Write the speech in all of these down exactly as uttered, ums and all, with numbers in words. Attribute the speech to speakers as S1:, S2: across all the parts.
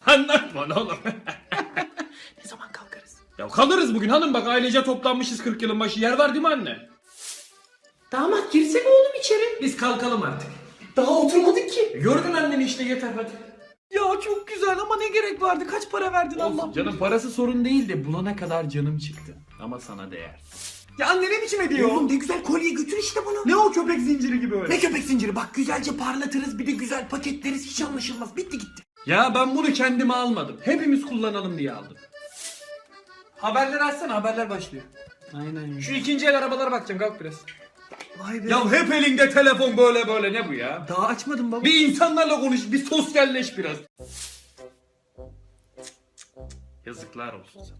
S1: Anlatma oğlum.
S2: Ne zaman kalkarız?
S1: Ya kalırız bugün hanım, bak ailece toplanmışız kırk yılın başı. Yer var değil mi anne?
S2: Damat girsene oğlum içeri.
S1: Biz kalkalım artık.
S2: Daha oturmadık ki.
S1: Gördün anneni işte, yeter hadi.
S2: Ya çok güzel ama ne gerek vardı? Kaç para verdin Allah?
S1: Olsun canım, parası sorun değil de bulana kadar canım çıktı. Ama sana değer.
S2: Ya anne ne biçim ediyor? Oğlum ne güzel kolye götür işte bunu. Ne o köpek zinciri gibi öyle? Ne köpek zinciri? Bak güzelce parlatırız, bir de güzel paketleriz, hiç anlaşılmaz. Bitti gitti.
S1: Ya ben bunu kendime almadım. Hepimiz kullanalım diye aldım. Haberleri açsana, haberler başlıyor.
S2: Aynen.
S1: Şu ikinci el arabalara bakacağım, kalk biraz.
S2: Vay be.
S1: Ya hep elinde telefon, böyle böyle, ne bu ya?
S2: Daha açmadım baba.
S1: Bir insanlarla konuş, bir sosyalleş biraz. Yazıklar olsun sana.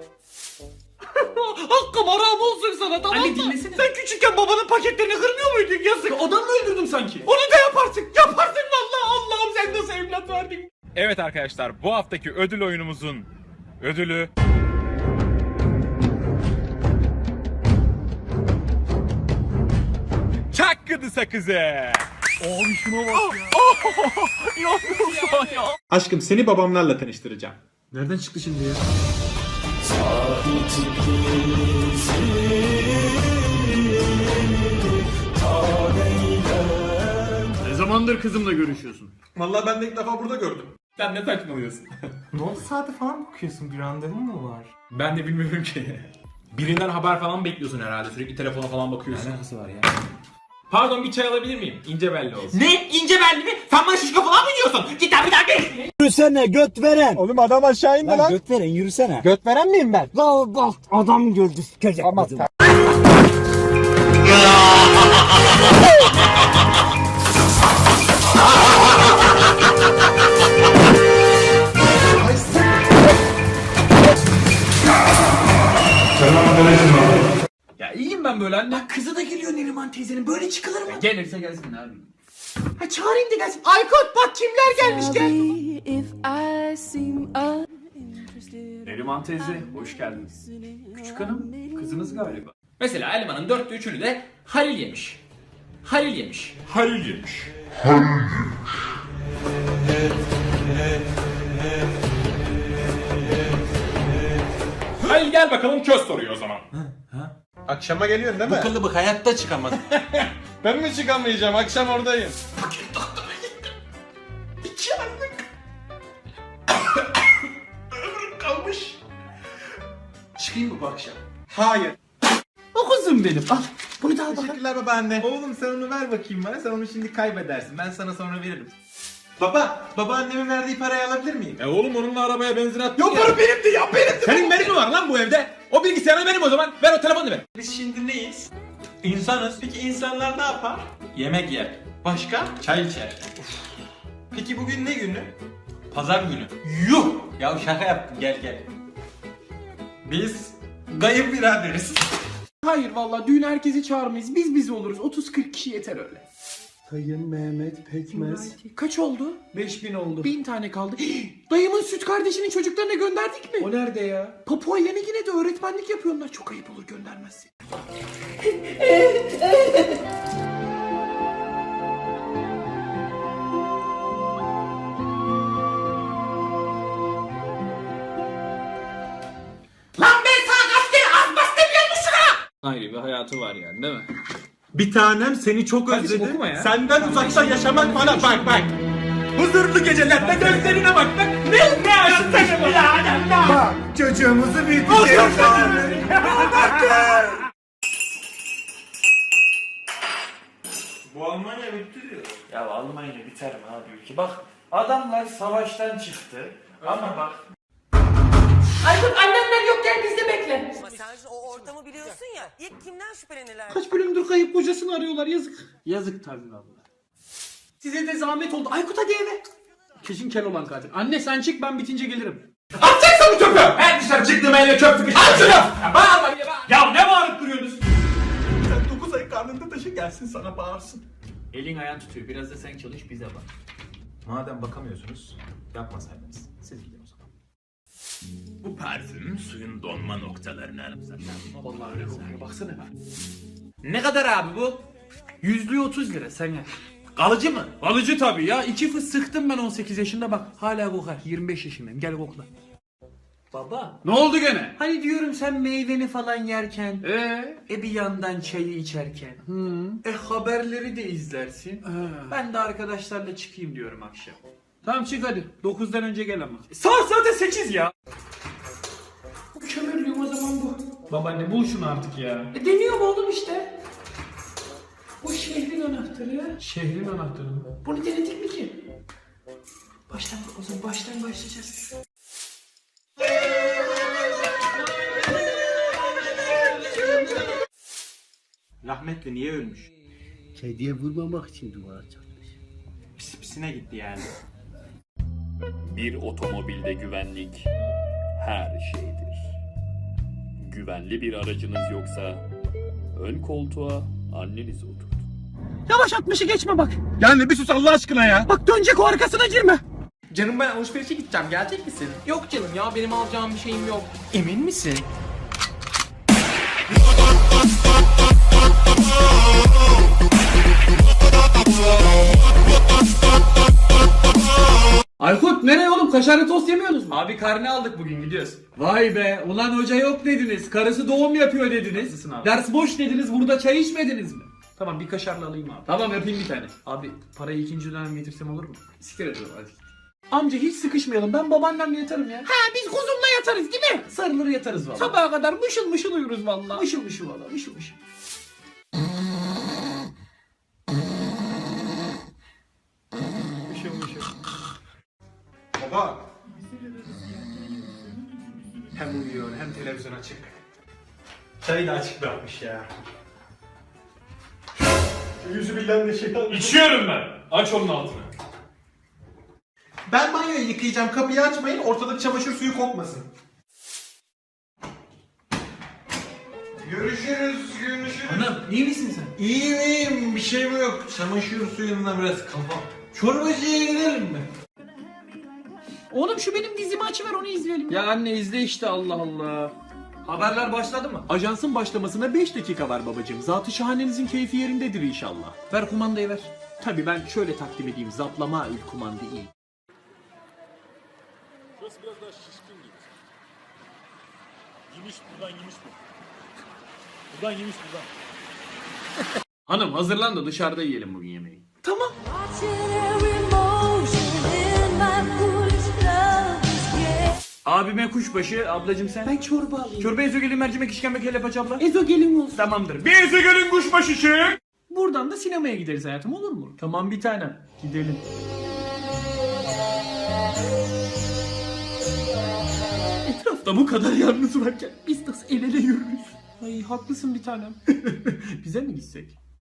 S2: Hakkım haram olsun sana, tamam
S1: Anne
S2: mı?
S1: dinlesene.
S2: Sen küçükken babanın paketlerini kırmıyor muydun? Yazık.
S1: Adam mı öldürdüm sanki?
S2: Onu da yaparsın. Yaparsın vallahi. Allah'ım sen nasıl evlat verdin?
S3: Evet arkadaşlar, bu haftaki ödül oyunumuzun ödülü Çakkıdı sakızı.
S2: Abi şuna bak ya. Ya ya.
S4: Aşkım seni babamlarla tanıştıracağım.
S1: Nereden çıktı şimdi ya? Ne zamandır kızımla görüşüyorsun?
S4: Vallahi ben de ilk defa burada gördüm.
S1: Sen ne saçmalıyorsun?
S5: Ne oldu, saate falan bakıyorsun, bir randevun mu var?
S1: Ben de bilmiyorum ki.
S5: Birinden haber falan bekliyorsun herhalde, sürekli telefona falan bakıyorsun.
S1: Ne alakası var ya? Pardon, bir çay alabilir miyim? İnce belli olsun.
S2: Ne? İnce belli mi? Sen bana şişko falan mı diyorsun? Git abi bir daha gel.
S6: Yürüsene göt veren.
S4: Oğlum adam aşağı indi
S6: Lan göt veren yürüsene.
S4: Göt veren miyim ben?
S6: La bak adam gördü sikecek. Ama
S1: Ya iyiyim ben böyle anne.
S2: Kızı da geliyor Neriman teyzenin. Böyle çıkılır mı?
S1: Gelirse gelsin abi.
S2: Ha çağırayım da gelsin. Aykut bak kimler gelmiş gel.
S7: If I seem uninterested.
S1: Neriman teyze, hoş geldiniz. Küçük hanım, kızınız galiba. Mesela elmanın dörtte üçünü de Halil yemiş. Halil yemiş.
S3: Halil yemiş. Halil gel bakalım, köz soruyor o zaman.
S4: Akşama geliyorsun değil mi?
S2: Kılıbık hayatta çıkamadı.
S4: Ben mi çıkamayacağım? Akşam oradayım.
S2: İki aylık. Ömrüm kalmış. Çıkayım mı bu akşam?
S4: Hayır.
S2: O kızım benim. Al. Bunu da al bakalım.
S4: Teşekkürler babaanne.
S5: Oğlum sen onu ver bakayım bana, sen onu şimdi kaybedersin. Ben sana sonra veririm.
S4: Baba, babaannemin verdiği parayı alabilir miyim?
S3: E oğlum, onunla arabaya benzin attın
S1: Yok
S3: ya.
S1: para benimdi ya, benimdi. Senin benim mi var lan bu evde? O bilgisayarı benim o zaman. Ver o telefonu ver.
S4: Biz şimdi neyiz? İnsanız. Peki insanlar ne yapar?
S5: Yemek yer,
S4: Başka?
S5: çay içer.
S4: Peki bugün ne günü?
S5: Pazar günü.
S4: Yuh!
S5: Ya şaka yaptım, gel gel.
S4: Biz kayınbiraderiz.
S2: Hayır vallahi düğün herkesi çağırmayız. Biz biz oluruz. otuz kırk kişi yeter öyle.
S6: Sayın Mehmet Pekmez.
S2: Kaç oldu?
S1: Beş bin oldu.
S2: Bin tane kaldı. Dayımın süt kardeşinin çocuklarına gönderdik mi?
S1: O nerede ya?
S2: Papua Yeni Gine'de öğretmenlik yapıyorlar. Çok ayıp olur göndermezsin. Lan ben sana kaç kere az bas demiyormuşum ha!
S1: Ayrı bir hayatı var yani, değil mi?
S4: Bir tanem seni çok
S1: Kardeşim,
S4: özledim.
S1: okuma ya.
S4: Senden uzakta yaşamak bana bak bak. Huzurlu gecelerde gözlerine bak bak. Ne ne açtın ya? Bak çocuğumuzu büyüteceğiz. Bu Almanya bitti diyor.
S5: Ya Almanya biter mi abi ülke? Bak adamlar savaştan çıktı ama bak.
S2: Aykut annemler yokken biz de bekle.
S8: Ama sen şimdi o ortamı biliyorsun ya. İlk kimden şüphelenirler?
S2: Kaç bölümdür kayıp kocasını arıyorlar yazık.
S1: Yazık tabii valla.
S2: Size de zahmet oldu. Aykut hadi eve.
S1: Kesin kel olan katil. Anne sen çık, ben bitince gelirim.
S2: Atacaksın bu çöpü.
S1: Ben dışarı çıktım, elle çöp sıkıştı.
S2: Al şunu.
S1: Bağırma diye bağır. Ya ne bağırıp duruyorsunuz?
S4: Sen dokuz ay karnında taşı gelsin sana bağırsın.
S1: Elin ayağın tutuyor. Biraz da sen çalış, bize bak.
S5: Madem bakamıyorsunuz, yapmasaydınız. Siz gidin o zaman.
S3: Bu parfüm suyun donma noktalarını anımsatır.
S1: Vallahi öyle kokuyor. Baksana. Ne kadar abi bu? Yüzlüğü otuz lira. Sen gel.
S4: Kalıcı mı?
S2: Alıcı tabii ya. İki fıs sıktım ben on sekiz yaşında bak. Hala kokar. yirmi beş yaşındayım. Gel kokla. Baba.
S1: Ne oldu gene?
S2: Hani diyorum sen meyveni falan yerken.
S1: Ee?
S2: E bir yandan çayı içerken. E haberleri de izlersin. Ben de arkadaşlarla çıkayım diyorum akşam.
S1: Tamam çık hadi. dokuzdan önce gel ama.
S2: Saat zaten sekiz ya.
S1: Kömürlüğüm o zaman bu. Babaanne bul şunu artık ya.
S2: E deniyorum oğlum işte. Bu şehrin anahtarı.
S1: Şehrin anahtarı mı?
S2: Bunu denedik mi ki? Baştan o zaman baştan başlayacağız. Rahmetli niye ölmüş?
S6: Kediye vurmamak için duvara çarpmış.
S2: Pis pisine gitti yani.
S9: Bir otomobilde güvenlik her şeydir. Güvenli bir aracınız yoksa ön koltuğa anneniz oturtun.
S2: Yavaş altmışı geçme bak.
S4: Yani bir sus Allah aşkına ya.
S2: Bak dönecek o arkasına girme.
S4: Canım ben alışverişe gideceğim. Gelecek misin? Yok canım ya benim alacağım bir şeyim yok.
S2: Emin misin?
S1: Aykut nereye oğlum? Kaşarlı tost yemiyorsunuz mu?
S2: Abi karne aldık bugün gidiyoruz.
S1: Vay be. Ulan hoca yok dediniz. Karısı doğum yapıyor dediniz.
S2: Haklısın abi.
S1: Ders boş dediniz. Burada çay içmediniz mi?
S2: Tamam bir kaşarlı alayım abi.
S1: Tamam yapayım bir tane.
S2: Abi parayı ikinci dönem getirsem olur mu?
S1: Siktir et oğlum hadi.
S2: Amca hiç sıkışmayalım. Ben babaannemle yatarım ya. Ha biz kuzumla yatarız değil mi? Sarılır yatarız valla. Sabaha kadar mışıl mışıl uyuruz valla. Mışıl mışıl valla mışıl mışıl. mışıl mışıl.
S4: Baba. Hem uyuyor hem televizyon açık. Çayı da açık bırakmış ya. Yüzü bilen de şeytan.
S1: İçiyorum ben. Aç onun altını.
S4: Ben banyoyu yıkayacağım. Kapıyı açmayın. Ortalık çamaşır suyu kokmasın. Görüşürüz. Görüşürüz.
S2: Anam iyi misin sen?
S4: İyiyim iyiyim. Bir şeyim yok. Çamaşır suyundan biraz kafa. Çorbacıya gidelim mi?
S2: Oğlum şu benim dizimi açıver onu izleyelim.
S1: Ya anne izle işte Allah Allah.
S2: Haberler başladı mı?
S1: Ajansın başlamasına beş dakika var babacığım. Zatı şahanenizin keyfi yerindedir inşallah.
S2: Ver kumandayı ver.
S1: Tabii ben şöyle takdim edeyim. Zaplama ül kumanda iyi.
S9: Burası biraz daha şişkin gibi. Yemiş buradan yemiş bu. Buradan yemiş buradan.
S1: Hanım hazırlan da dışarıda yiyelim bugün yemeği.
S2: Tamam.
S1: Abime kuşbaşı, ablacım sen.
S2: Ben çorba alayım.
S1: Çorba ezogelin mercimek işkembe kelle paça abla.
S2: Ezogelin olsun.
S1: Tamamdır. Bir ezogelin kuşbaşı çık.
S2: Buradan da sinemaya gideriz hayatım olur mu?
S1: Tamam bir tanem. Gidelim.
S2: Etrafta bu kadar yalnız varken biz nasıl el ele yürürüz? Ay haklısın bir tanem.
S1: Bize mi gitsek?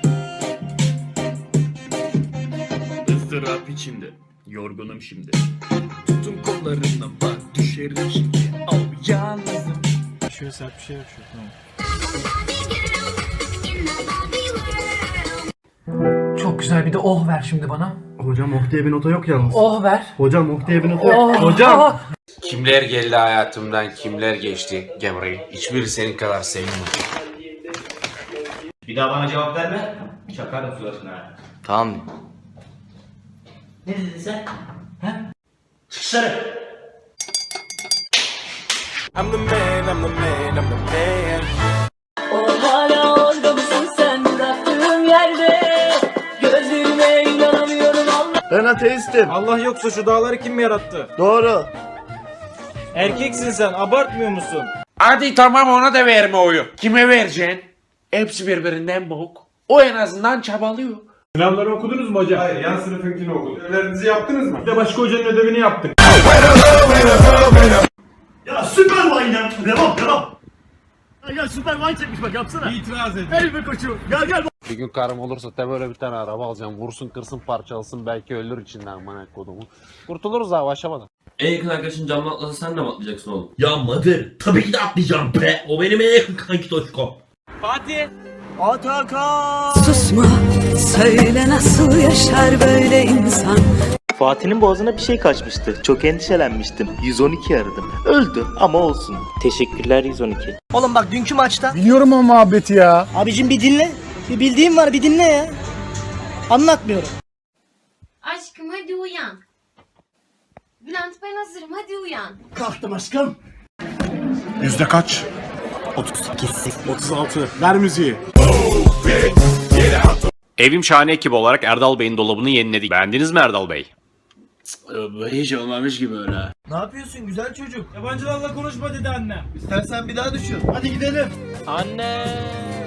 S1: ızdırap içimde. Yorgunum şimdi.
S2: Tutun kollarından bak düşerim şimdi. Al yalnızım.
S6: Şöyle sert bir şey yok şu. Tamam.
S2: Çok güzel bir de oh ver şimdi bana.
S6: Hocam oh diye bir nota yok yalnız.
S2: Oh ver.
S6: Hocam oh diye bir nota yok. Hocam.
S10: Kimler geldi hayatımdan, kimler geçti Gemri. Hiçbiri senin kadar sevmiyorum.
S5: Bir daha bana cevap verme. Çakarım suratına. ha.
S10: Tamam.
S5: Ne dedin sen? Ha? Çık dışarı.
S7: O hala orada mısın sen bıraktığım yerde? Gözlerime inanamıyorum Allah.
S6: Ben ateistim.
S5: Allah yoksa şu dağları kim yarattı?
S6: Doğru.
S5: Erkeksin sen abartmıyor musun?
S10: Hadi tamam ona da verme oyu. Kime vereceksin? Hepsi birbirinden bok. O en azından çabalıyor.
S4: Sınavları okudunuz mu hocam? Hayır, yan sınıfınkini okuduk. Ödevlerinizi yaptınız mı? Bir de başka hocanın ödevini yaptık.
S6: Ya süper wine ya. Devam devam. Ya süper wine çekmiş bak yapsana.
S4: İtiraz edin.
S6: Ey be koçum. Gel gel.
S10: Bir gün karım olursa tabi böyle bir tane araba alacağım. Vursun kırsın parçalasın belki ölür içinden manak kodumu. Kurtuluruz abi aşamadan.
S5: En yakın arkadaşın camdan atlasa sen de mi atlayacaksın oğlum?
S6: Ya Madır. Tabii ki de atlayacağım be. O benim en yakın kanki Toşko.
S5: Fatih.
S6: Atakan.
S7: Susma söyle nasıl yaşar böyle insan.
S11: Fatih'in boğazına bir şey kaçmıştı. Çok endişelenmiştim. yüz on iki aradım. Öldü ama olsun. Teşekkürler yüz on iki.
S6: Oğlum bak dünkü maçta. Biliyorum o muhabbeti ya. Abicim bir dinle. Bir bildiğim var bir dinle ya. Anlatmıyorum.
S7: hadi uyan. Bülent ben hazırım hadi uyan.
S6: Kalktım aşkım.
S4: Yüzde kaç? otuz sekiz. otuz altı. Ver müziği.
S10: Evim Şahane ekibi olarak Erdal Bey'in dolabını yeniledik. Beğendiniz mi Erdal Bey?
S5: Hiç olmamış gibi öyle.
S2: Ne yapıyorsun güzel çocuk?
S9: Yabancılarla konuşma dedi annem.
S6: İstersen bir daha düşün. Hadi gidelim.
S5: Anne.